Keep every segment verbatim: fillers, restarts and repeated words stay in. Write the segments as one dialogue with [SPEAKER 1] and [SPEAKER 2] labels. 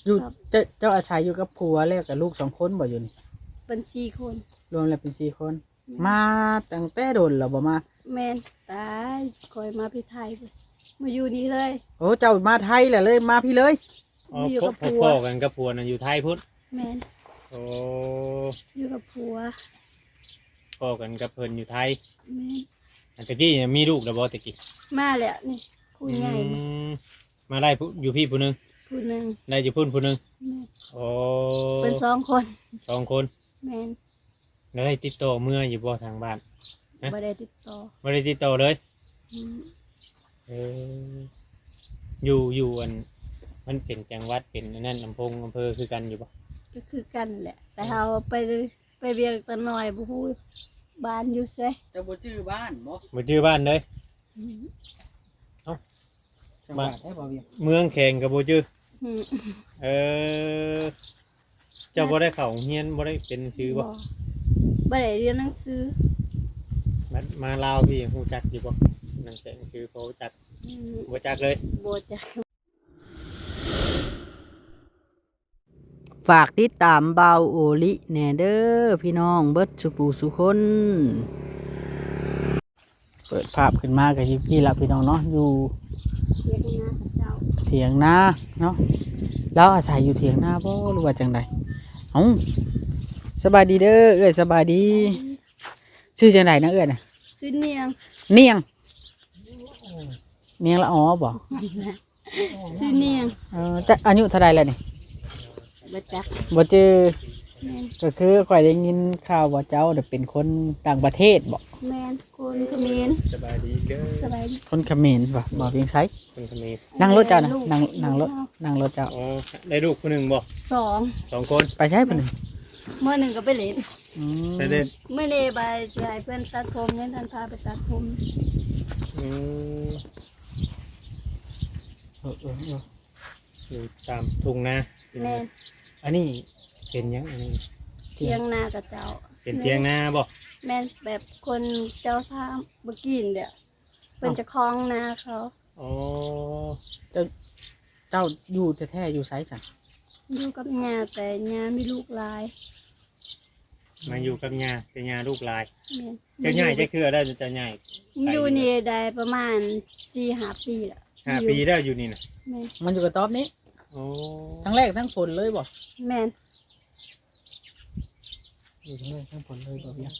[SPEAKER 1] อยู่
[SPEAKER 2] ครับ
[SPEAKER 1] เจ้าเจ้าอาศัยอยู่กับผัวแล้วกับลูกสองคนบ่อยู่นี่
[SPEAKER 2] เป็นสี่คน
[SPEAKER 1] รวมแล้วเป็นสี่คน
[SPEAKER 2] แม่น
[SPEAKER 1] มาตั้งแต่โดนแล้วบ่มา
[SPEAKER 2] แม่นตายคอยมาพี่ไทยเลยมาอยู่นี่เลย
[SPEAKER 1] โอ้เจ้ามาไทยแหละเลยมาพี่เลย
[SPEAKER 3] อ๋อ
[SPEAKER 2] อยู่
[SPEAKER 3] พ
[SPEAKER 2] กับผัว
[SPEAKER 3] พ่อกันกับผัวน่ะอยู่ไทยพุ่น
[SPEAKER 2] แม่น
[SPEAKER 3] โอ้
[SPEAKER 2] อยู่กับผัว
[SPEAKER 3] พ่อกันกับเพิ่นอยู่ไทย
[SPEAKER 2] แม่น
[SPEAKER 3] อันตะกี้มีลูกแล้วบ่ตะกี้
[SPEAKER 2] มาแล้วนี่คุยง่าย
[SPEAKER 3] อืมมาได้ผู้อยู่พี่ผู้หนึง
[SPEAKER 2] ผู้หนึ่ง
[SPEAKER 3] ได้อยู่พุ่นผู้หนึง
[SPEAKER 2] แม่น
[SPEAKER 3] โอ้
[SPEAKER 2] เป็นสองคน
[SPEAKER 3] สองคน
[SPEAKER 2] แม่น
[SPEAKER 3] แล้วได้ติดต่อเมื่ออยู่บ่ทางบ้าน ฮะ
[SPEAKER 2] บ่ได้ติดต่อ
[SPEAKER 3] บ่ได้ติดต่อเลย
[SPEAKER 2] อืม
[SPEAKER 3] เอออยู่อยู่อันมันเป็นจังหวัดเป็นอันนั่นอำเภออำเภอคือกันอยู่บ่
[SPEAKER 2] ก็คือกันนั่นแหละ แต่เราไปไปเรียกตะหน่อยบ่ฮู้บ้านอยู่ไส
[SPEAKER 1] เจ้าบ่ชื่อบ้านบ่
[SPEAKER 3] บ่ชื่อบ้านเลย
[SPEAKER 2] อืม
[SPEAKER 1] จังหวัดได้บ่เวียง
[SPEAKER 3] เมืองแข่งกับบ่ชื่อ
[SPEAKER 2] อืม
[SPEAKER 3] เออเจ้าบ่ได้เข้าโรงเรียนบ่ได้เป็นชื่อบ่
[SPEAKER 2] บ่ได้เรียนหนังสือ
[SPEAKER 3] มามาลาวพี่ฮู้จักอยู่บ่นั่นแข่งชื่อบ่รู้จัก
[SPEAKER 2] อืม
[SPEAKER 3] บ่จักเลย
[SPEAKER 2] บ่จัก
[SPEAKER 1] ฝากติดตามเบาโอลิแหน่เด้อพี่น้องเบิดสุปูสุคน เปิดภาพขึ้นมากับยี่พี่ละพี่น้องเนาะอยู่
[SPEAKER 2] เรียกนะเจ้า
[SPEAKER 1] เถียงนาเนาะแล้วอาศัยอยู่เถียงนาบ่หรือว่าจังใดเอ้าสบายดีเด้อเอ้ยสบายดีชื่อจังใดนะเอ้ยน่ะ
[SPEAKER 2] ซื้อเนียง
[SPEAKER 1] เนียงเนียงละอ๋อบ่
[SPEAKER 2] ซื้อเนียง
[SPEAKER 1] เออแต่อายุเท่าใดแล้วนี่
[SPEAKER 2] บ่จัก
[SPEAKER 1] บ่เจอ
[SPEAKER 2] แม่น
[SPEAKER 1] ก็คือข่อยได้ยินข่าวว่าเจ้าเนี่ยเป็นคนต่างประเทศบ่
[SPEAKER 2] แม่นคนเขมร
[SPEAKER 3] สบายดีเด้อ
[SPEAKER 2] สบายดี
[SPEAKER 1] คนเขมรบ่บ่เพียงไส
[SPEAKER 3] คนเขมร
[SPEAKER 1] นั่งรถเจ้านะนั่งนั่งรถนั่งรถเจ้า
[SPEAKER 3] อ๋อได้ลูกผู้หนึงบ่
[SPEAKER 2] สอง
[SPEAKER 3] สองคน
[SPEAKER 1] ไปใช้เพิ่น
[SPEAKER 2] เมื่อหนึ่งก็ไปเล่น
[SPEAKER 1] อืม
[SPEAKER 3] ไปเล่น
[SPEAKER 2] เมื่อนี้ไปสิให้เพื่อนตัดผมเนี่ยท่านพาไปตัดผม
[SPEAKER 3] อืม
[SPEAKER 1] เออเออเออ
[SPEAKER 3] อยู่ตามทุ่งนา
[SPEAKER 2] แม่น
[SPEAKER 3] อันนี้เป็นหยังอันนี้
[SPEAKER 2] เทียงนากับเจ้า
[SPEAKER 3] เป็นเทียงนาบ่
[SPEAKER 2] แม่นแบบคนเจ้าท่าเมื่อกี้นี่เด้อเป็นเจะคล้าของนาเขา
[SPEAKER 3] อ๋อ
[SPEAKER 1] เจ้าเจ้าอยู่แท้ๆอยู่ไสซั่น
[SPEAKER 2] อยู่กับญาแต่ญามีลูกหลาย
[SPEAKER 3] มาอยู่กับยาเป็นยาลูกหลาย
[SPEAKER 2] แม่น
[SPEAKER 3] เจ้าใหญ่จะคือได้เจ้าใหญ่
[SPEAKER 2] อยู่นี่ได้ประมาณสี่ห้าปีแล้ว
[SPEAKER 3] ห้าปีแล้วอยู่นี่นะ
[SPEAKER 2] แม่น
[SPEAKER 1] มันอยู่กับตอบนี้
[SPEAKER 3] โอ้
[SPEAKER 1] ทั้งแรกทั้งผลเลยบ่
[SPEAKER 2] แม่น
[SPEAKER 1] อยู่ทั้งแรกทั้งผลเลยบ่เพียง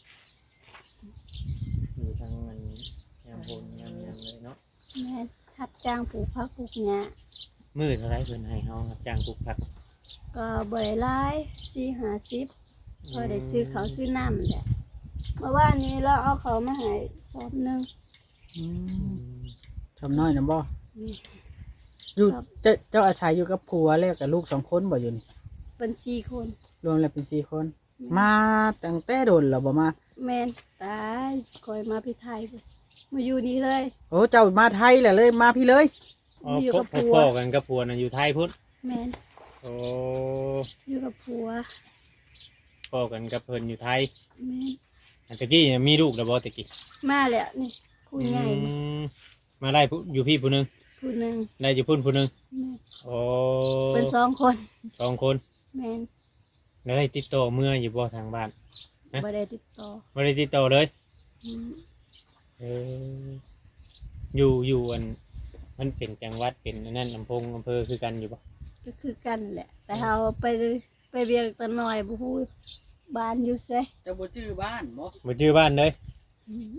[SPEAKER 3] อยู่ทางมันยามบนยามยังเลยเนาะ
[SPEAKER 2] แม่นทับจ้างปลูกผักปลูกหญ้า
[SPEAKER 3] มือเท่าไรเพิ่นให้เฮารับจ้างปลูกผัก
[SPEAKER 2] ก็บ่ได้หลายสี่ห้าสิบพอได้ซื้อเขาวซื้อน้ำแหละเมื่อวานนี้เราเอาเขาวมาให้สอบหนึง
[SPEAKER 1] อื
[SPEAKER 3] อื
[SPEAKER 1] ม
[SPEAKER 3] ม
[SPEAKER 1] ทำน้อยนะบ่
[SPEAKER 2] นี่
[SPEAKER 1] อยู่
[SPEAKER 2] ครับ
[SPEAKER 1] เจ้าเจ้าอาศัยอยู่กับผัวแล้วกับลูกสองคนบ่อยู่นี่
[SPEAKER 2] เป็นสี่คน
[SPEAKER 1] รวมแล้วเป็นสี่คน มาตั้งแต่โดนแล้วบ่มา
[SPEAKER 2] แม่นตายคอยมาพี่ไทยเลยมาอยู่นี่เลย
[SPEAKER 1] โอ้เจ้ามาไทยแหละเลยมาพี่เลย
[SPEAKER 3] อ๋อ
[SPEAKER 2] อยู่
[SPEAKER 3] พ่อ
[SPEAKER 2] กับผัว
[SPEAKER 3] พ่อกันกับผัวน่ะอยู่ไทยพุ่น
[SPEAKER 2] แม่น
[SPEAKER 3] โอ้
[SPEAKER 2] อยู่กับผัว
[SPEAKER 3] พ่อกันกับเพิ่นอยู่ไทย
[SPEAKER 2] แม่น
[SPEAKER 3] อันตะกี้มีลูกแล้วบ่ตะกี้
[SPEAKER 2] มาแล้วนี่คุยง่าย
[SPEAKER 3] อืมมาได้ผู้อยู่พี่ผู้หนึง
[SPEAKER 2] ผู้หนึ่ง
[SPEAKER 3] ได้อยู่พุ่นผู้หนึง
[SPEAKER 2] แม่น
[SPEAKER 3] โอ้
[SPEAKER 2] เป็นสองคน
[SPEAKER 3] สองคน
[SPEAKER 2] แม่น
[SPEAKER 3] แล้วได้ติดต่อเมื่ออยู่บ่ทางบ้าน ฮะ
[SPEAKER 2] บ่ได้ติดต่อ
[SPEAKER 3] บ่ได้ติดต่อเลย
[SPEAKER 2] อืม
[SPEAKER 3] เอออยู่อยู่อันมันเป็นจังหวัดเป็นอันนั่นอำเภออำเภอคือกันอยู่ปะ
[SPEAKER 2] ก็คือกันแหละ แต่เราไปไปเรียกตะหน่อยบ่ฮู้บ้านอยู่ไส
[SPEAKER 1] เจ้าบ่ชื่อบ้านบ่
[SPEAKER 3] บ่ชื่อบ้านเลย
[SPEAKER 2] อืม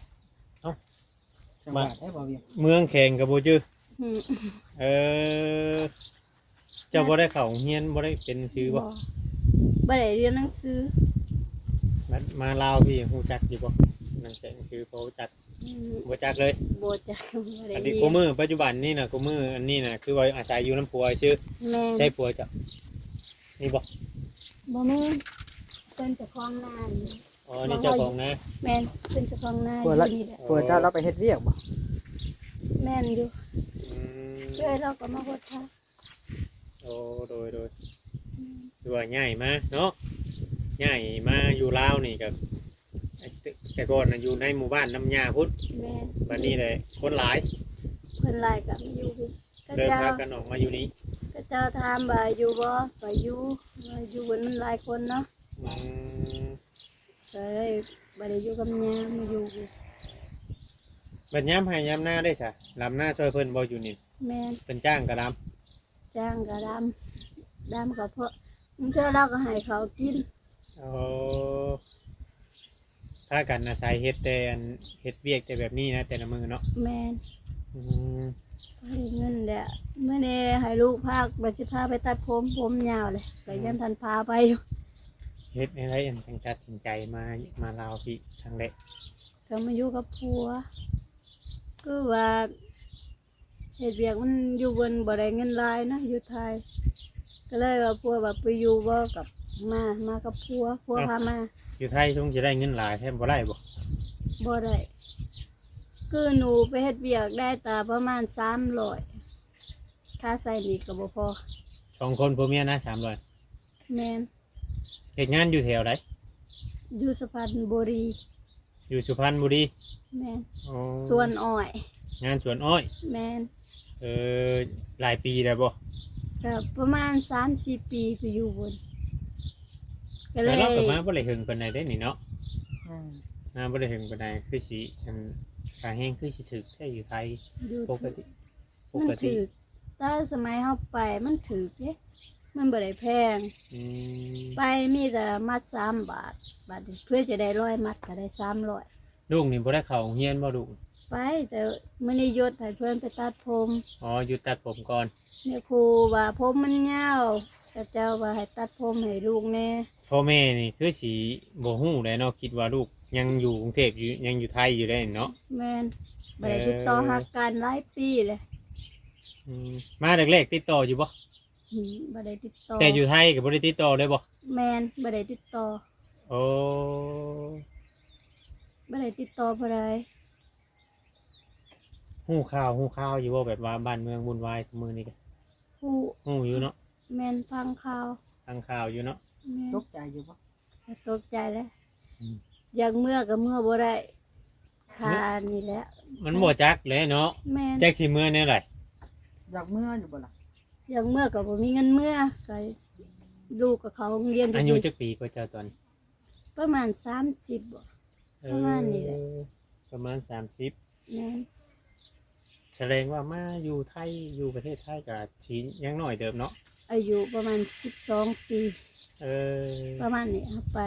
[SPEAKER 1] จังหวัดได้บ่เวียง
[SPEAKER 3] เมืองแข่งกับบ่ชื่อ
[SPEAKER 2] อืม
[SPEAKER 3] เออเจ้าบ่ได้เข้าโรงเรียนบ่ได้เป็นชื่อบ่
[SPEAKER 2] บ่บ่ได้เรียนหนังสือ
[SPEAKER 3] มามาลาวพี่ฮู้จักอยู่บ่นั่นแข่งชื่อบ่รู้จัก
[SPEAKER 2] อืม
[SPEAKER 3] บ่จักเลย
[SPEAKER 2] บ่จักบ่ได้
[SPEAKER 3] อัน
[SPEAKER 2] เรี
[SPEAKER 3] นี้
[SPEAKER 2] ย
[SPEAKER 3] กู
[SPEAKER 2] น
[SPEAKER 3] มือปัจจุบันนี่น่ะกูมืออันนี้น่ะคือว่าอาศัยอยู่น้ำผัวชื่อ
[SPEAKER 2] แม่น
[SPEAKER 3] ใช่ผัวเจ้านี่บ่
[SPEAKER 2] บ่แม่นเป็นเจ้าของนานี่
[SPEAKER 3] อ๋อนี่เจ้าของนะ
[SPEAKER 2] แม่นเป็นเจ้าของนาอ
[SPEAKER 1] ผัว
[SPEAKER 2] ยู่
[SPEAKER 1] ละ
[SPEAKER 2] นี่แหละ
[SPEAKER 1] ผัวเจ้าเราไปเฮ็ดเวียกบ่
[SPEAKER 2] แม่นอยู่
[SPEAKER 3] อืม
[SPEAKER 2] ช่วยเราก็มาโพดค่ะ
[SPEAKER 3] โอ้โดยโดยคือว่าง่ายมาเนาะง่ายมาอยู่ลาวนี่กับแต่ก่อนน่ะอยู่ในหมู่บ้านน้ำยาพุทธ
[SPEAKER 2] แม่น
[SPEAKER 3] บัดนี้เลยคนหลาย
[SPEAKER 2] เพิ่นไล่กลับมาอยู่พี่ก็
[SPEAKER 3] เดิน
[SPEAKER 2] เจ้า
[SPEAKER 3] พากันออกมาอยู่นี้
[SPEAKER 2] ก็เจ้าถามว่าอยู่บ่ก็อยู่ว่าอยู่บนมันหลายคนเนาะ
[SPEAKER 3] อืม
[SPEAKER 2] ก็เลยบ่ได้อยู่กับยามาอยู่
[SPEAKER 3] บัดยามให้ยามหน้าได้ซะลำหน้าช่วยเพิ่นบ่อยู่นี่
[SPEAKER 2] แม่น
[SPEAKER 3] เป็นจ้างก็ลำ
[SPEAKER 2] จ้างก็ดำดำก็เพราะมันเทื่อเราก็ให้เขากิน
[SPEAKER 3] โอ้ถ้ากันอาศัยเฮ็ดแต่อันเฮ็ดเวียกแต่แบบนี้นะแต่ละมื้อเนาะ
[SPEAKER 2] แม่น
[SPEAKER 3] อืม
[SPEAKER 2] บ่ได้เงินแหละเมื่อนี้ให้ลูกพากบ่สิพาไปตัดผมผมยาวเลยก็ยังทันพาไปอยู่
[SPEAKER 3] เฮ็ดให้ไรอันจังตัดสินใจมามาลาวพี่ครั้งแรก
[SPEAKER 2] ก็มาอยู่กับผัวก็ว่าเฮ็ดเวียกมันอยู่บนบ่ได้เงินหลายนะอยู่ไทย ก็เลยว่าผัวว่าไปอยู่บ่กับมามากับผัวผัวพามา
[SPEAKER 3] อยู่ไทยคงจะได้เงินหลายแทบบ่ได้บ่
[SPEAKER 2] บ่ได้คือหนูไปเฮ็ดเวียกได้แต่ประมาณสามร้อยค่าใส่หนีก็บ่พอ
[SPEAKER 3] สองคนผัวเมียนะสามร้อย
[SPEAKER 2] แม่น
[SPEAKER 3] เฮ็ดงานอยู่แถวไหน
[SPEAKER 2] อยู่สุพรรณบุรี
[SPEAKER 3] อยู่สุพรรณบุรี
[SPEAKER 2] แม่น
[SPEAKER 3] อ๋อ
[SPEAKER 2] สวนอ้อย
[SPEAKER 3] งานสวนอ้อย
[SPEAKER 2] แม่น
[SPEAKER 3] เออหลายปีแล้วบ่
[SPEAKER 2] ก็ประมาณสามสี่ปีไปอยู่บนก็เล
[SPEAKER 3] แต่
[SPEAKER 2] ย
[SPEAKER 3] เราก็มาบ่ได้หึงปานใดได้นี่เนาะ
[SPEAKER 1] อืม
[SPEAKER 3] มาบ่ได้หึงปานใดคือสิอันขาแห้งคือสิถึกแท้อยู่ไทย
[SPEAKER 2] อยู่
[SPEAKER 3] ปกติป
[SPEAKER 2] มัน
[SPEAKER 3] กติ
[SPEAKER 2] ถือแต่สมัยเฮาไปมันถือเด้มันบ่ได้แพง
[SPEAKER 3] อืม
[SPEAKER 2] ไปมีแต่มัดสามบาทบาทนี้เพื่อจะได้ร้อยมัดก็ได้สามร้อย
[SPEAKER 3] ลูกนี่บ่ได้เข้าโรงเรียนบ่ลูก
[SPEAKER 2] ไปแต่มื้อนี้ยศให้เพื่อนไปตัดผม
[SPEAKER 3] อ๋อหยุดตัดผมก่อน
[SPEAKER 2] เนี่ยครูว่าผมมันยาวแต่เจ้าว่าให้ตัดผมให้ลูกแน่
[SPEAKER 3] พ่อแม่นี่คือสิบ่ฮู้แหล้วเนาะคิดว่าลูกยังอยู่กรุงเทพอยู่ยังอยู่ไทยอยู่ได้เนาะ
[SPEAKER 2] แม่นบ่ได้ติดต่อหากันหลายปีเลย
[SPEAKER 3] อืมมาแรกๆติดต่ออยู่บ่
[SPEAKER 2] อืมบ่ได้ติดต่อ
[SPEAKER 3] แต่อยู่ไทยก็บ่ได้ติดต่อเลยบ่
[SPEAKER 2] แม่นบ่ได้ติดต่อ
[SPEAKER 3] โอ้
[SPEAKER 2] บ่ได้ติดต่อบ่ได้
[SPEAKER 3] ฮู้ข่าวฮู้ข่าวอยู่บ่แบบว่าบ้านเมืองวุ่นวายซุมื้อนี้ก็
[SPEAKER 2] ผู้
[SPEAKER 3] ฮู้อยู่เนาะ
[SPEAKER 2] แม่นฟังข่าว
[SPEAKER 3] ทางข่าวอยู่เนาะ
[SPEAKER 2] แม่น
[SPEAKER 1] ตกใจอยู่ปะ
[SPEAKER 2] ก็ตกใจแล้ว
[SPEAKER 3] อืม
[SPEAKER 2] อยากเมื่อก็เมื่อบ่ได้คานี่แหละ
[SPEAKER 3] มันบ่จักเลยเนาะ
[SPEAKER 2] แม่น
[SPEAKER 3] จักสิมื้อแนวไหน
[SPEAKER 1] อยากเมื่ออยู่บ่ล่ะ
[SPEAKER 2] อยากเมื่อก็บ่มีเงินเมื่อก็ลูกกับเขาโรงเรียน
[SPEAKER 3] อายุ
[SPEAKER 2] ดี
[SPEAKER 3] จักปีกว่าเจ้าตอน
[SPEAKER 2] ๆประมาณสามสิบบ่ ประมาณนี้แหละ
[SPEAKER 3] เออประมาณสามสิบ
[SPEAKER 2] แม่น
[SPEAKER 3] แสดงว่ามาอยู่ไทยอยู่ประเทศไทยก็สิยังน้อยเดิมเนาะ
[SPEAKER 2] อายุประมาณสิบสองปี
[SPEAKER 3] เออ
[SPEAKER 2] ประมาณนี้ครับไป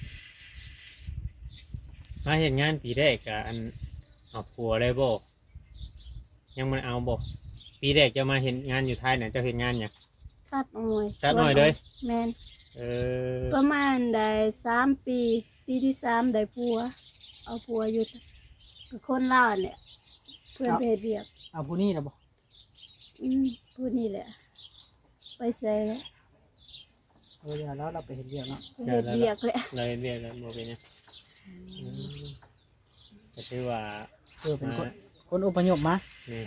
[SPEAKER 3] มาเฮ็ดงานปีแรกก็อันเอาผัวเลยบ่ยังบ่ได้เอาบ่ปีแรกจะมาเฮ็ดงานอยู่ไทยน่ะเจ้าเฮ็ดงานหยัง
[SPEAKER 2] ตัดอ้อย
[SPEAKER 3] ตัดอ้อยเลย
[SPEAKER 2] แม่น
[SPEAKER 3] เออ
[SPEAKER 2] ประมาณได้สามปี ปีที่สามได้ผัว เอาผัวอยู่กับคนลาวเนี่ย เพื่อนไปเฮ็ดเวียก
[SPEAKER 1] เอาผู้นี้นะบ่
[SPEAKER 2] อืมผู้นี้แหละ ไปใส่แล้ว
[SPEAKER 1] เออเดี๋ยวแล้วเราไปเห็นเรียกเนาะ
[SPEAKER 2] ไปเฮ็ดเวียกแหละ
[SPEAKER 3] เลยเรียกแล้วบ่เป็นหยังอืมก็ถือว่า
[SPEAKER 1] เออเป็นคนคนอพยพมา
[SPEAKER 3] นี่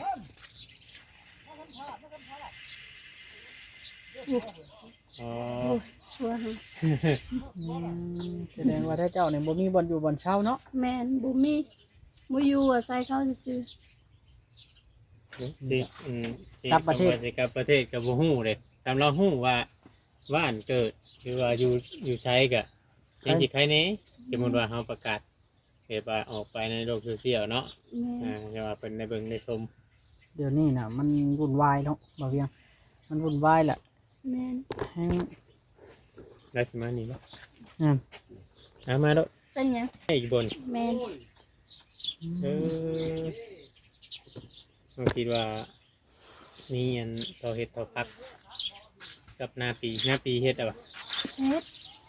[SPEAKER 3] อ๋อ
[SPEAKER 2] โอ้ยผัวหา
[SPEAKER 1] อืมแสดงว่าถ้าเจ้าเนี่ยบ่มีบ่อนอยู่บ่อนเช่าเนาะ
[SPEAKER 2] แม่นบ่มีบ่อยู่อาศัยเขาซื่อ
[SPEAKER 3] ที่อืมที่
[SPEAKER 1] กลับประเทศ
[SPEAKER 3] คำว่าสิกลับประเทศกับบ่ฮู้เลยตามเราฮู้ว่าบ้านเกิดหรือว่าอยู่อยู่ใช้ก็ยังสิใครแหน่สมมุติว่าเฮาประกาศเกิดว่าออกไปในโลกโซเชียลเนาะ
[SPEAKER 2] ๆแม่
[SPEAKER 3] อ่าน จะว่าเป็นในเบิ่งในชม
[SPEAKER 1] เดี๋ยวนี้น่ะ มันวุ่นวายเนาะบ่เวียง มันวุ่นวายแหละ
[SPEAKER 2] แม่น
[SPEAKER 1] แห้ง
[SPEAKER 3] ได้สิมานี่บ่
[SPEAKER 1] อืม
[SPEAKER 3] เอามาโดด
[SPEAKER 2] เป็นหยัง
[SPEAKER 3] ให้อีกบน
[SPEAKER 2] แม่น
[SPEAKER 3] เออเราคิดว่ามีอันต่อเฮ็ดต่อพัก กับหน้าปีหน้าปีเฮ็ดอะบ่
[SPEAKER 2] เฮ็ด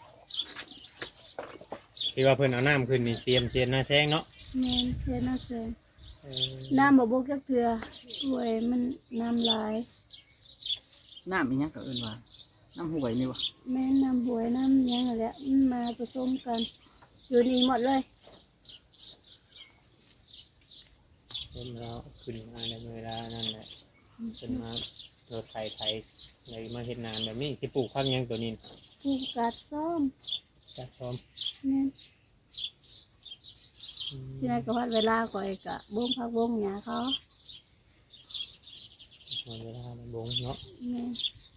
[SPEAKER 3] ที่ว่าเพิ่นเอาน้ำขึ้นนี่เตรียมเสียนหน้าแซงเนาะ
[SPEAKER 2] แม่นเฮ็ดน่าเสย
[SPEAKER 3] เออ
[SPEAKER 2] น้ำบ่บกจักเทื่อป่วยมันน้ำลาย
[SPEAKER 1] น้ำอีหยังก็เอิ้นว่า น้ำห่วยนี่บ่
[SPEAKER 2] แม่นน้ำหวยน้ำหยังนั่นแหละมันมาผสมกัน อยู่นี่หมดเลย
[SPEAKER 3] เพิ่นเราขึ้นมาในเวลานั่นแหละเพิ่นมาโดดไทยไทยเลยมาเฮ็ดนานแบบนี้สิปลูกพักหยังตัวนี้
[SPEAKER 2] ผูกกัดซ้อม
[SPEAKER 3] จักพร้อม
[SPEAKER 2] แม่น
[SPEAKER 3] อืม
[SPEAKER 2] สิได้ก็วัดเวลาก่อยกะบ่งพักบ่งหญ้าเขา
[SPEAKER 3] หมดเวลาแล้วบงเนาะ
[SPEAKER 2] แม่น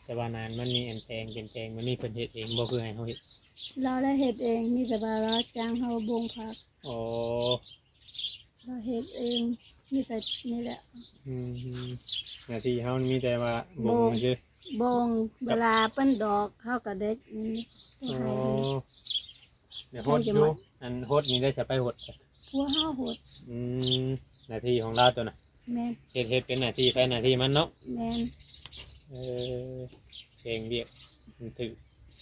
[SPEAKER 3] แต่ว่านานมันมีอันแพงเป็นแพงมันมีเพิ่นเฮ็ดเองบ่คือให้เฮาเฮ็ด
[SPEAKER 2] เราได้เฮ็ดเองมีแต่ว่าเราจ้างเฮาบงผัก
[SPEAKER 3] อ๋อ
[SPEAKER 2] เราเฮ็ดเองมีแต่นี่แหละ
[SPEAKER 3] อืมหน้าที่เฮามีแต่ว่าบ่งซื่อบ
[SPEAKER 2] งเวลาเปิ้นดอกเฮาก็เด็ดนี่
[SPEAKER 3] อ๋อ
[SPEAKER 2] ให้
[SPEAKER 3] เดี๋ยวโหดอยู่อันโหดนี่ได้จะไปโหด
[SPEAKER 2] ผัวเฮาโหด
[SPEAKER 3] อืมหน้าที่ของเราตัวน่ะ
[SPEAKER 2] แม่น
[SPEAKER 3] เฮ็ดเฮ็ดเป็นหน้าที่ไปหน้าที่มันเนาะ
[SPEAKER 2] แม่น
[SPEAKER 3] เออเพลงเรียกมันถือ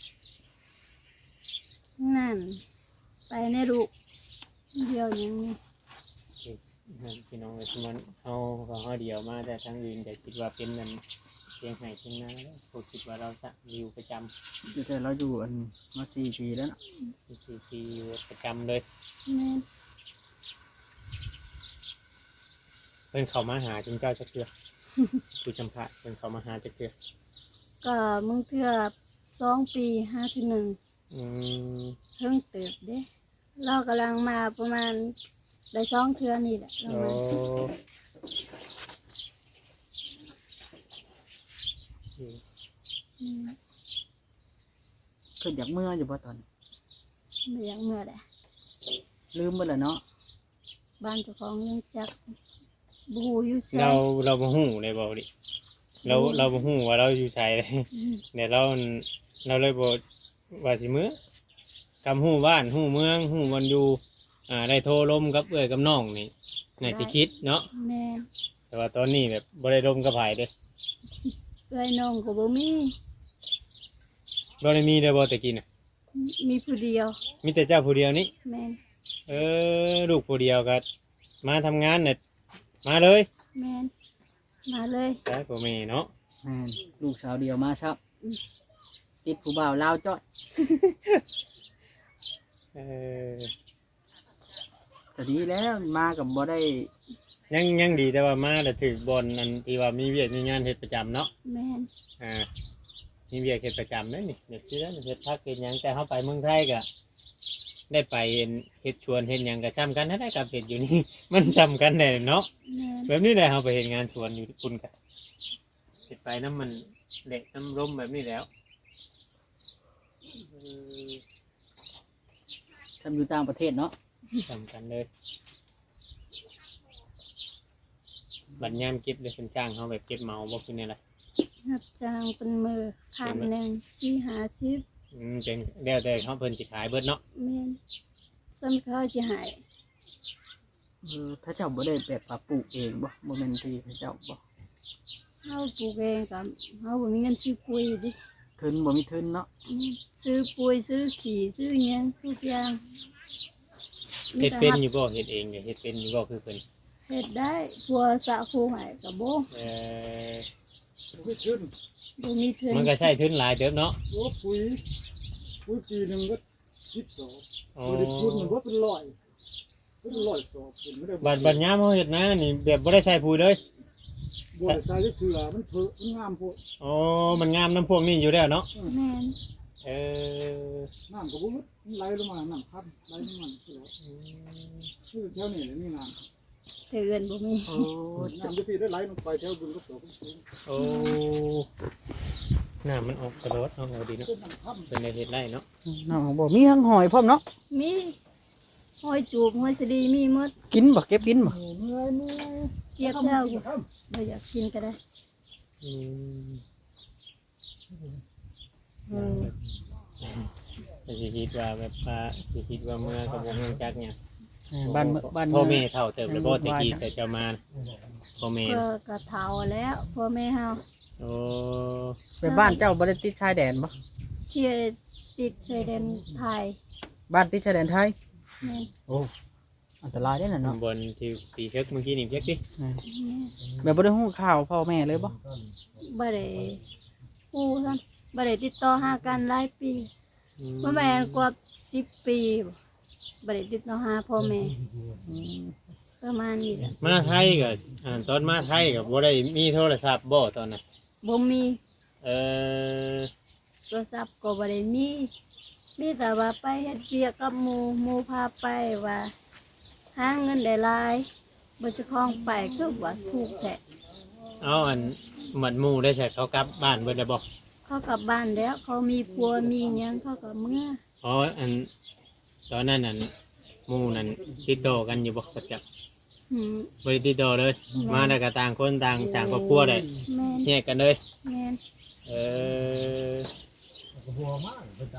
[SPEAKER 2] นั่นไปในลูกเดียวหยังนี่
[SPEAKER 3] นั่นพี่น้องเอ้ยมันเอาของเขาเดียวมาแต่ทั้งอื่นแต่คิดว่าเป็นมันเพียงไห้เพียงนาแล้วผมคิดว่าเราจะอยู่ประจ
[SPEAKER 1] แต่เราอยู่อันมาสี่ปีแล้วเนาะ
[SPEAKER 3] ำสี่ปีอยู่ประจำเลย
[SPEAKER 2] แม่น
[SPEAKER 3] เพิ่นเขามาหาจุนเจ้าจะเกลือ ผู้จำพระเพิ่นเขามาหาจะเกลือ
[SPEAKER 2] ก็มึงเทื่อสองปีห้าที่หนึ่ง
[SPEAKER 3] อืม
[SPEAKER 2] เพิ่งเติบเด้เรากำลังมาประมาณได้สองเทื่อนี่แหละเรา
[SPEAKER 3] โอ้
[SPEAKER 2] มา อืม
[SPEAKER 1] ขึ้นจากเมื่ออยู่บ่ตอนนี้
[SPEAKER 2] ไม่อยากเมื่อแหละ
[SPEAKER 1] ลืมไปแล้วเนาะ
[SPEAKER 2] บ้านเจ้าของยังจักบูอยู่ใส่
[SPEAKER 3] เราเราบ่ฮู้เลยบ่ดิเราเราบ่ฮู้ว่าเราอยู่ไสเลย
[SPEAKER 2] อืม
[SPEAKER 3] เดี๋ยวเราเราเลยบ่ว่าสิมื้อกำฮู้บ้านฮู้เมืองฮู้วันอยู่อ่าได้โทรลมกับเอ้อยกับน้องนี่น่าสิคิดเนาะ
[SPEAKER 2] แม่
[SPEAKER 3] แต่ว่าตอนนี้แบบบ่ได้ลมกับไผเด้
[SPEAKER 2] เอ้ยน้องก็บ่มี
[SPEAKER 3] บ่ได้มีเด้อบ่แต่กินน่ะ
[SPEAKER 2] มีผู้เดียว
[SPEAKER 3] มีแต่เจ้าผู้เดียวนี่
[SPEAKER 2] แม่น
[SPEAKER 3] เออลูกผู้เดียวก็มาทำงานเนี่ยมาเลย
[SPEAKER 2] แม่นมาเลย
[SPEAKER 3] แต่พ่อแม่เนาะ
[SPEAKER 1] แม่นลูกสาวเดียวมาซับ
[SPEAKER 2] อืม
[SPEAKER 1] ติดผู้บ่าวลาวจ้อย
[SPEAKER 3] เออ
[SPEAKER 1] แต่ดีแล้วมากับบ่ได้
[SPEAKER 3] ยังยังดีแต่ว่ามาแต่ถือบอลอันที่ว่ามีเวียกมีงานเฮ็ดประจำเนาะ
[SPEAKER 2] แม่น
[SPEAKER 3] อ่ามีเวียกเฮ็ดประจำเด้อนี่เด็กที่นั่นเฮ็ดพักเฮ็ดหยังแต่เฮาไปเมืองไทยก็ได้ไปเฮ็ดชวนเฮ็ดหยังก็ซ้ำกันนะได้กับเฮ็ดอยู่นี่ มันซ้ำกันแน่เนาะ
[SPEAKER 2] แม่น
[SPEAKER 3] แบบนี้แหละเฮาไปเฮ็ดงานชวนอยู่คุณก็เฮ็ดไปน้ำมันเละน้ำร่มแบบนี้แล้วเออ
[SPEAKER 1] ทำอยู่ต่างประเทศเนาะ
[SPEAKER 3] ซ้ำกันเลยบัดยามเก็บเลยเป็นจ้างเฮาแบบเก็บเหมาบ่คือแนวไร
[SPEAKER 2] รับจ้างเป็นมือข้ามหนึ่งสี่ห้าสิบ
[SPEAKER 3] อืมเป็นแล้วแต่เขาเพิ่นสิขายเบิดเนาะ
[SPEAKER 2] แม่นซ้ำเขาสิใหาย
[SPEAKER 1] เออถ้าเจ้าบ่ได้แบบปลูกเองบ่บ่แม่นที่เขาเจ้าบ่
[SPEAKER 2] เฮาปลูกเองกับเฮาบ่มีเงินซื้อปุ๋ยดิ
[SPEAKER 1] ทุนบ่มีทุนเนาะ
[SPEAKER 2] อืมซื้อปุ๋ยซื้อขี้ซื้อหยังทุกอย่าง
[SPEAKER 3] เฮ็ดเป็นอยู่บ่เฮ็ดเองเนี่ยเฮ็ดเป็นอยู่บ่คือเพิ่น
[SPEAKER 2] เฮ็ดได้พัวสะคูใหายกับบ่
[SPEAKER 3] เอ่อ
[SPEAKER 4] ไม่ขึ้น
[SPEAKER 2] บ่มีทุน
[SPEAKER 3] มันก็ใช้ทุนหลายเติบเนาะ
[SPEAKER 4] โอ้ปุ๋ยปุ๋ยปีหนึ่งก็สิบสอง
[SPEAKER 3] อ๋อ
[SPEAKER 4] ปุ๋ยคุณมันก็เป็นร้อยเป็นร้อยสอบคุณไม่ได้
[SPEAKER 3] บัดบัดยามเฮาเฮ็ดนะนี่แบบบ่ได้ใช้ปุ๋ยเลย
[SPEAKER 4] บัวใส่ก็คือมันเพิ่มมันงามพวก
[SPEAKER 3] อ๋อมันงามน้ำพวกนี้อยู่แล้วเนาะ
[SPEAKER 2] แม่น
[SPEAKER 3] เออ
[SPEAKER 4] น้ำก็บุ้มันไหลลงมาน้ำพัดไหลลงมาคือคือแถวนี้เลยนี่น้
[SPEAKER 2] แต่เงินบ่มี
[SPEAKER 1] โอ้
[SPEAKER 4] ำน้ำจะพี่ได้ไหลลงไปแถวบึงก็ตกสูง
[SPEAKER 3] โอ้น้ำมันออกตลอดเนาะเอาดีเนาะ
[SPEAKER 4] เป็นน้ำพัด
[SPEAKER 3] เป็นได้เฮ็ดได้เนาะ
[SPEAKER 1] น้องบ่มีทั้งหอยพร้อมเนาะ
[SPEAKER 2] มีหอยจูบหอยสะดีมีหมด
[SPEAKER 1] กินบ่เก็บกินบ่
[SPEAKER 4] โอ้เมื่อยเมื่อย
[SPEAKER 2] เก็บแล้วอยู่
[SPEAKER 4] ครับ
[SPEAKER 2] บ่อยากกินก็ได้
[SPEAKER 3] อืม
[SPEAKER 1] เออ
[SPEAKER 3] แต่สิคิดว่าแบบว่าสิคิดว่าเมื่อกับวงยังจักเนี่ย
[SPEAKER 1] เออบ้านเมืองบ้าน
[SPEAKER 3] พ่อ
[SPEAKER 1] เมื
[SPEAKER 3] แม่
[SPEAKER 1] อง
[SPEAKER 3] เท่าเติบเลยบ่แต่กี้แต่เจ้ามาพ่อแม่
[SPEAKER 2] ก็กระเฒ่าแล้วพ่อแม่เฮา
[SPEAKER 3] โอ้
[SPEAKER 1] ไปบ้านเจ้าบ่ได้ติดชายแดนบ่
[SPEAKER 2] เชียร์ติดชายแดนไทย
[SPEAKER 1] บ้านติดชายแดนไทย
[SPEAKER 2] แม่น
[SPEAKER 1] โอ้อันตรายเด้อน่ะเนาะ
[SPEAKER 3] บนที่ตีเช็คเมื่อกี้นี่เช็คดิ
[SPEAKER 1] เออแบบบ่ได้ฮู้ข่าวพ่อแม่เลยบ่
[SPEAKER 2] บ่ได้ฮู้ซั่นบ่ได้ติดต่อหากันหลายปีบ่แม่นกว่าสิบปีบ่บ่ได้ติดต่อหาพ่อแม่
[SPEAKER 1] อืม
[SPEAKER 2] ประมาณนี้แหละ
[SPEAKER 3] มาไทยกับอ่าตอนมาไทยกับบ่ได้มีโทรศัพท์บ่ตอนนั้น
[SPEAKER 2] บ่มี
[SPEAKER 3] เออ
[SPEAKER 2] โทรศัพท์ก็บ่ได้มี มีแต่ว่าไปเฮ็ดเวียกกับหมู่หมู่พาไปว่าหาเงินได้หลายบ่เจะคล้าของไปคือว่าถูกแท้
[SPEAKER 3] เอาอันหมัดหมู่ได้ใช่เขากลับบ้านเบิดได้บ่
[SPEAKER 2] เเขากลับบ้านแล้ว เขามีผัวมีหยังเขาก็เมื่อ
[SPEAKER 3] อ๋ออันตอนนั้นอันหมู่นั้นติดต่อกันอยู่บ่ประจัก
[SPEAKER 2] อืม
[SPEAKER 3] บ่ได้ติดต่อเลย มาแล้วก็ต่างคนต่างสร้างครอบครัวได้
[SPEAKER 2] แม่น
[SPEAKER 3] แยกกันเลย
[SPEAKER 2] แม่น
[SPEAKER 3] เออ
[SPEAKER 4] หัวมากประจ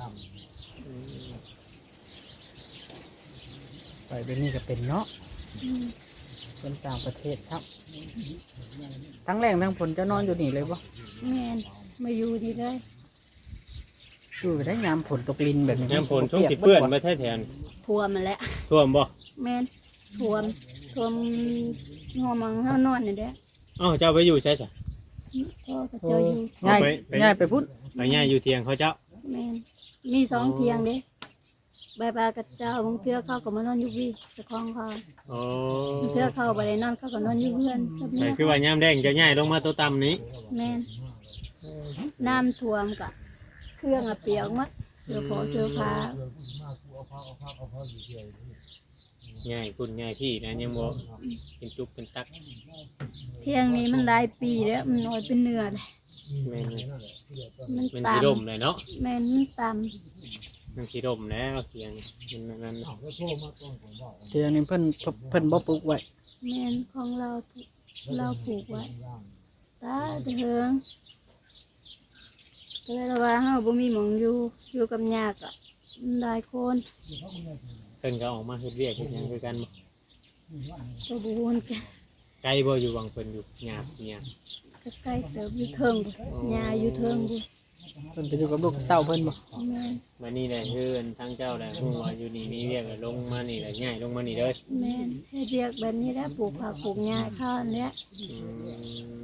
[SPEAKER 1] ไปเป็นนี่ก็เป็นเนาะ
[SPEAKER 2] อืม
[SPEAKER 1] คนต่างประเทศครับทั้งแรงทั้งผลจะนอนอยู่นี่เลยบ่
[SPEAKER 2] แม่นมาอยู่ดีเลย
[SPEAKER 1] อยู่ได้ยามผลตกลินแบบนี้
[SPEAKER 3] น้ำฝนช่วงที่เปื้อนมาแท้แทน
[SPEAKER 2] ท่วมมาแล้ว
[SPEAKER 3] ท่วมบ่
[SPEAKER 2] แม่นท่วมท่วมหัวมังเฮานอนนี่แหละ
[SPEAKER 3] เอ้าเจ้าไปอยู่ใช่จ้ะ
[SPEAKER 2] พ่อก็เจ้าอยู่
[SPEAKER 1] ง่าย
[SPEAKER 3] ไปไป
[SPEAKER 1] ง่ายไปพุ่น
[SPEAKER 3] ไปย่าอยู่เทียงเขาเจ้า
[SPEAKER 2] แม่นมีสองเทียงเด้บายบายกับเจ้าบางเทื่อเขาก็มานอนอยู่พี่เจ้าของเขา
[SPEAKER 3] โอ้
[SPEAKER 2] บางเทื่อเขาบ่ได้นอนเขาก็นอนอยู่เพื่อนกับ
[SPEAKER 3] แต่
[SPEAKER 2] เมีย
[SPEAKER 3] คือว่ายามแดงเจะย่ายลงมาตัวต่ำนี้
[SPEAKER 2] แม่นน้ำท่วมกะเครื่องอะเปียกหมดเสื้อผ้าเสื้อผ้า
[SPEAKER 3] ง่ายคุณง่ายพี่นะยังบ่เป็นจุกเป็นตัก
[SPEAKER 2] เที่ยงนี้มันหลายปีแล้วมันน้อยเป็นเนื้อเลย
[SPEAKER 3] แม่น
[SPEAKER 2] มัน
[SPEAKER 3] เป็น
[SPEAKER 2] ต่
[SPEAKER 3] สีดมเลยเนาะ
[SPEAKER 2] ำแม่นมันต่
[SPEAKER 3] มันสีดมแล้วเทียงมันนั้น
[SPEAKER 1] เดี๋ยวนี้เพิ่นเพิ่นเพิ่นบ่ปลูกไว้
[SPEAKER 2] ำแม่นของเราเราปลูกไว้ตาเถิงก็เลยว่าเฮาบ่มีหมองอยู่อยู่กับยากอ่ะมันหลายคน
[SPEAKER 3] เพิ่นก็ออกมาเฮ็ดเวียกเฮ็ดหยังคือกันบ่
[SPEAKER 2] ก็บ่ฮู้กัน
[SPEAKER 3] ไกลบ่อยู่วังเพิ่นอยู่หยาบหยาบ
[SPEAKER 2] ก็ใกล้เติบอยู่เทิงพุ่นยาอยู่เทิงบุ
[SPEAKER 1] เพิ่นไปอยู่กับลูกกับเต้าเพิ่นบ่
[SPEAKER 2] แม่น
[SPEAKER 3] มานี่แหละคืออันทั้งเจ้าแหละฮู้ว่าอยู่นี่มีเวียกก็ลงมานี่แหละง่ายลงมานี่เด้อ
[SPEAKER 2] แม่นเฮ็ดเรียกแบบนี้แหล้วปลูกผักปลูกหญ้าข้าวอันเนี้ย
[SPEAKER 3] อืม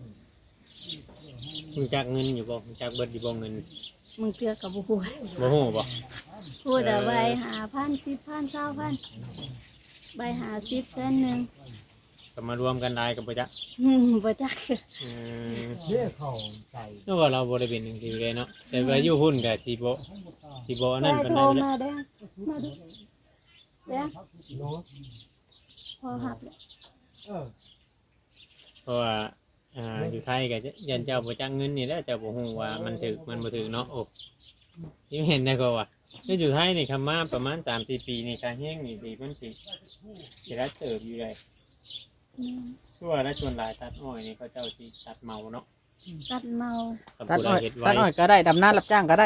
[SPEAKER 3] รู้จักเงินอยู่บ่รู้จักเบิดอยู่บ่เงิน
[SPEAKER 2] มึงเตือกับบ่ฮู้
[SPEAKER 3] บ่ฮู้บ่
[SPEAKER 2] พูดแต่ใบหาพันสิบพันเศร้าพันใบหาสิบเส้นหนึ่ง
[SPEAKER 3] ก็มารวมกันได้ก็บ่จัก
[SPEAKER 2] อืมบ่จัก
[SPEAKER 3] อืม
[SPEAKER 4] ำเชี่ยเข่าใส่
[SPEAKER 3] นึกว่าเราบ่ได้เป็นจังซี่เลยเนาะแต่ว่าอยู่หุ้นก็สิบ่สิบ่อัน
[SPEAKER 2] ได้
[SPEAKER 3] นั้นปาน
[SPEAKER 2] โท
[SPEAKER 3] ใด
[SPEAKER 2] ร
[SPEAKER 3] แหละ
[SPEAKER 2] มาเด้อมาดูเด้อ
[SPEAKER 4] เนาะ
[SPEAKER 2] พอหับแล้ว
[SPEAKER 4] เออ
[SPEAKER 3] เพราะว่าอ่าอยู่ไทยก็ยันเจ้าบ่จักเงินนี่แหละเจ้าบ่ฮู้ว่ามันถึกมันบ่ถึกเนาะโอ้ยงเห็นได้ก็ว่าคืออยู่ไทยนี่คำมาประมาณ สามสี่ ปีนี่การแห้งนี่ดีมันสิสิรัดเติบอยู่ได้
[SPEAKER 2] อืม
[SPEAKER 3] คือว่าได้ส่วนหลายตัดอ้อยนี่เขาเจ้าสิตัดเมาเนาะ
[SPEAKER 2] ตัดเมา
[SPEAKER 3] กับ
[SPEAKER 1] ตัด
[SPEAKER 3] ผู้ใด
[SPEAKER 1] อ้อย
[SPEAKER 3] เฮ็ด
[SPEAKER 1] ตั
[SPEAKER 3] ไว้
[SPEAKER 1] ดอ้อยก็ได้ดำนารับจ้างก็ได้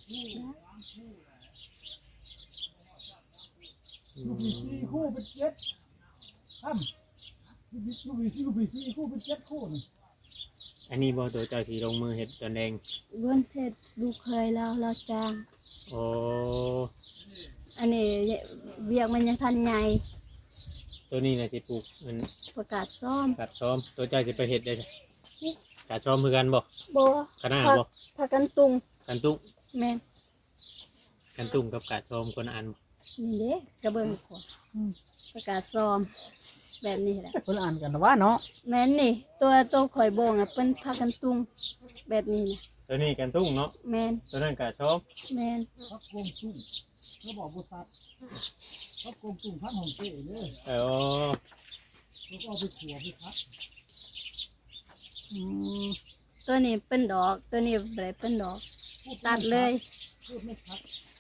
[SPEAKER 3] อื
[SPEAKER 4] ลูกปีสี่
[SPEAKER 3] ม
[SPEAKER 4] คู่เป็นเจ็ดทำลูกปีลูกปีสี่ลูกปีสี่คู่เป็นเจ็ดคู่นี่
[SPEAKER 3] อันนี้บ่ตัวเจ้าสิลงมือเฮ็ดจนแดง
[SPEAKER 2] เว้นเพชรลูกเคยเราเราจาง
[SPEAKER 3] โอ้
[SPEAKER 2] อันนี้เวียกมันยังทันใหญ่
[SPEAKER 3] ตัวนี้น่ะสิปลูกมัน
[SPEAKER 2] ประกาศซ่อม
[SPEAKER 3] กัดซ้อมตัวเจ้าสิไปเฮ็ดได้จ้ะกัดซ้อมคือกันบ่
[SPEAKER 2] บ่
[SPEAKER 3] คณะบ่
[SPEAKER 2] พากันตุง
[SPEAKER 3] กันตุ้ง
[SPEAKER 2] แม่น
[SPEAKER 3] กันตุ้งกับกัดซ้อมคนละอันบ่
[SPEAKER 2] นี่เด้กระเบื้องขวาประกาศซ่อมแบบนี้แหละ
[SPEAKER 1] เพิ่นอ่านกันว่าเนาะ
[SPEAKER 2] แม่นนี่ ตัวตัวข่อยโบงอ่ะเป็นพากันตุงแบบนี้นะ
[SPEAKER 3] ตัวนี้กันตุ้งเนาะ
[SPEAKER 2] แม่น
[SPEAKER 3] ตัวนั้นกัดซ้อม
[SPEAKER 2] แม่น
[SPEAKER 4] พักโกงตุ้งเขาบอกบุษัดพักโกงตุ้งพักของเจ๊เลย
[SPEAKER 3] เออ
[SPEAKER 4] แล้วก็เอาไปขัวไปพัก
[SPEAKER 1] อืม
[SPEAKER 2] ตัวนี้เป็นดอก ตัวนี้บ่ได้เป็นดอก ตัดเลย
[SPEAKER 4] พูดไม่พัก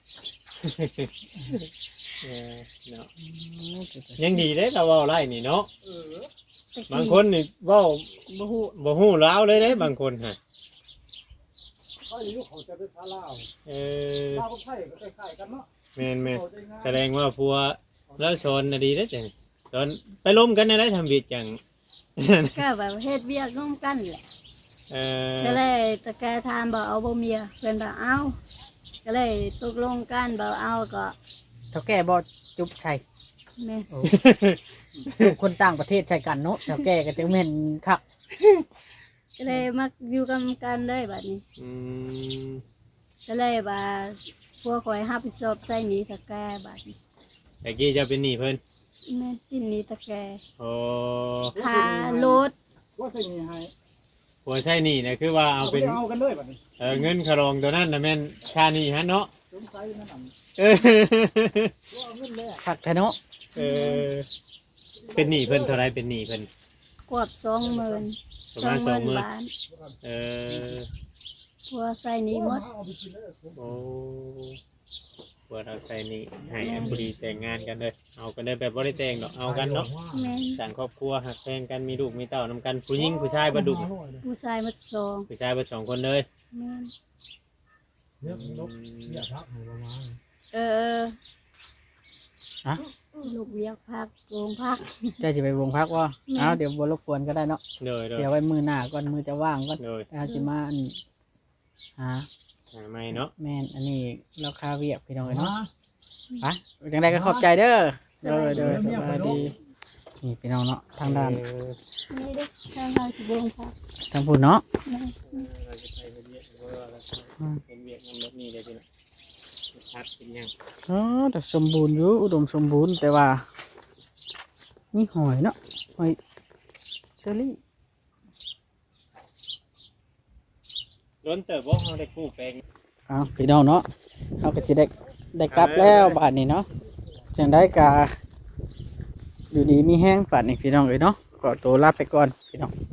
[SPEAKER 3] เออเนาะยังดีเด้เราเว้าไล่นี่เนาะ
[SPEAKER 4] เออ
[SPEAKER 2] ตะกี้
[SPEAKER 3] บางคนนี่เว้า
[SPEAKER 2] บ่ฮู้
[SPEAKER 3] บ่ฮู้ลาวเลยเด้บางคนฮะ
[SPEAKER 4] เขาอยู่เขาจะไปพาลาว
[SPEAKER 3] เออ
[SPEAKER 4] ลาวกับไทยก็คล้ายๆกันเนาะ
[SPEAKER 3] แม่นแม่น
[SPEAKER 4] เขาได้ง่าย
[SPEAKER 3] แสดงว่าพัวแล้วชนน่ะดีเด้อจังตอนไปล้มกันได้ทำบิดจัง
[SPEAKER 2] ก็แบบเฮ็ดเวียกร่วมกันแหละ
[SPEAKER 3] เออ
[SPEAKER 2] ก็เลยตะแกถามบ่เอาบ่เมียเพิ่นว่าเอาก็เลยตกลงกันบ่เอาก็
[SPEAKER 1] เท่าแก่บ่จุบใช่
[SPEAKER 2] แม่น
[SPEAKER 1] อยู่คนต่างประเทศใช่กันเนาะเท่าแก่ก็จะแม่นครับ
[SPEAKER 2] ก็เลยมาอยู่กันกันได้บัดนี้
[SPEAKER 3] อืม
[SPEAKER 2] ก็เลยว่าพวกข่อยรับผิดชอบใส่หนีตะแกบัดนี้
[SPEAKER 3] แต่กี้จะเป็นหนี้เพิ่น
[SPEAKER 2] แม่นกินหนีตะแก
[SPEAKER 3] โอ้
[SPEAKER 2] ค่ารถ
[SPEAKER 4] ว่าใส่นี่ให้
[SPEAKER 3] ผัวใช่หนี้นะคือว่าเอาเป็น
[SPEAKER 4] เอากันเลยแบบนี้
[SPEAKER 3] เออเงินคารองตัวนั้นน่ะแม่นค่าหนี้ฮะเนาะ
[SPEAKER 4] สงสัยนั่นน่ะ
[SPEAKER 3] เออ
[SPEAKER 4] ว่าเอาเงินแรก
[SPEAKER 1] คักแท้เนาะ
[SPEAKER 3] เออเป็นหนี้เพิ่นเท่าไรเป็นหนี้เพิ่น
[SPEAKER 2] กวบสองหมื่น
[SPEAKER 3] ประ
[SPEAKER 2] สอ
[SPEAKER 3] มาง ณ
[SPEAKER 2] ห
[SPEAKER 3] สอ
[SPEAKER 2] มื่
[SPEAKER 3] งหมื่น
[SPEAKER 2] นบาท
[SPEAKER 3] เออ
[SPEAKER 2] ผัวใส่หนี่หมด
[SPEAKER 3] โอ้เปิดเอาใส่นี่ให้อันพอดีแต่งงานกันเลยเอากันเลยแบบบ่ได้แต่งดอกเอากันเนาะ
[SPEAKER 2] แม่น
[SPEAKER 3] สร้างครอบครัวหักแพงกันมีลูกมีเต้านำกันผู้หญิงผู้ชายบ่ดุ
[SPEAKER 2] ผู้ชายหมดสอง
[SPEAKER 3] ผู้ชายบ่สองคนเลย
[SPEAKER 2] แม่น
[SPEAKER 4] เรียกนกเรียกพระให้ประมาณ
[SPEAKER 2] เออ
[SPEAKER 1] ฮะ
[SPEAKER 2] ลูกเวียกพักโรงพัก
[SPEAKER 1] เจ้าสิไปวงพักบ่
[SPEAKER 2] แม่
[SPEAKER 1] เอาเดี๋ยวบ่รบกวนก็ได้เนาะ
[SPEAKER 3] เลยเลย
[SPEAKER 1] เดี๋ยวไว้มือหน้าก่อนมือจะว่างก่อน
[SPEAKER 3] เลย
[SPEAKER 1] ถ้าสิมาอันหา
[SPEAKER 3] หาไม่เนาะ
[SPEAKER 1] แม่นอันนี้เราคาเวียกพี่น้องเอ้ยเนาะไปจังไดก็ขอบใจเด้อเด้อเด้อสบายดีนี่พี่น้องเนาะทางด้าน
[SPEAKER 3] เออ
[SPEAKER 2] นี่เด้อทางเราสิโรงพัก
[SPEAKER 1] ทางพุ่นเนาะ
[SPEAKER 2] แม่น
[SPEAKER 3] เราจะไปเรียกเพราะว่าเราเป็นเวียกนำรถนี่ได้พี่น้องพักเป็นยัง
[SPEAKER 1] อ๋อแต่สมบูรณ์อยู่อุดมสมบูรณ์แต่ว่านี่หอยเนาะหอยเชอรี่
[SPEAKER 3] ล้นเติบบ่เฮาได้กู้แปลง
[SPEAKER 1] อ้าวพี่น้องเนาะเราก็จะได้ได้กลับแล้วบาทนี้เนาะจังได้กาอยู่ดีมีแห้งบาทนี้พี่น้องเอ้ยเนาะก็ตัวลาไปก่อนพี่น้อง